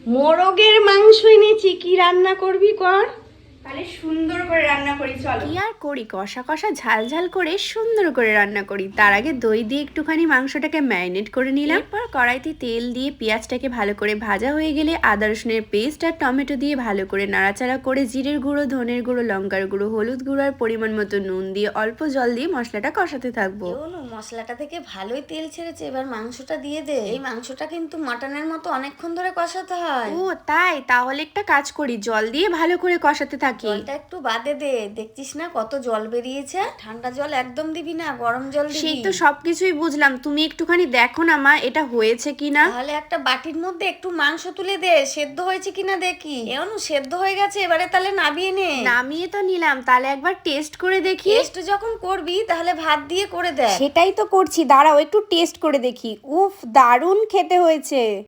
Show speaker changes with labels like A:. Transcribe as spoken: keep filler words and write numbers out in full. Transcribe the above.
A: মোরগের মাংস এনেছি, কি রান্না করবি কর? তাহলে সুন্দর করে রান্না করি, চলো।
B: কি আর করি, কষা কষা ঝাল ঝাল করে সুন্দর করে রান্না করি। তার আগে দই দিয়ে একটুখানি মাংসটাকে ম্যারিনেট করে নিলাম। এরপর কড়াইতে তেল দিয়ে পেঁয়াজটাকে ভালো করে ভাজা হয়ে গেলে আদা রসুনের পেস্ট আর টমেটো দিয়ে ভালো করে নাড়াচাড়া করে জিরের গুঁড়ো, ধনের গুঁড়ো, লঙ্কার গুঁড়ো, হলুদ গুঁড়ো আর পরিমাণ মতো নুন দিয়ে অল্প জল দিয়ে মশলাটা কষাতে থাকবো।
C: মশলাটা থেকে ভালোই তেল ছেড়েছে, এবার মাংসটা দিয়ে দে। এই মাংসটা কিন্তু মাটনের মতো অনেকক্ষণ ধরে কষাতে হয়।
B: ও তাই, তাহলে একটা কাজ করি, জল দিয়ে ভালো করে কষাতে থাকি।
C: জলটা একটু বাদে দে, দেখছিস না কত জল বেরিয়েছে। ঠান্ডা জল একদম দিবি না, গরম জল দিবি।
B: সেই তো সবকিছুই বুঝলাম, তুমি একটুখানি দেখো না মা এটা হয়েছে কিনা।
C: তাহলে একটা বাটির মধ্যে একটু মাংস তুলে দে, সেদ্ধ হয়েছে কিনা দেখি। এমন সেদ্ধ হয়ে গেছে, এবারে তাহলে নামিয়ে নে।
B: নামিয়ে তো নিলাম, তাহলে একবার টেস্ট করে দেখি।
C: টেস্ট যখন করবি তাহলে ভাত দিয়ে করে দে।
B: সেটাই তো করছি, দাঁড়াও একটু টেস্ট করে দেখি। উফ, দারুণ খেতে হয়েছে।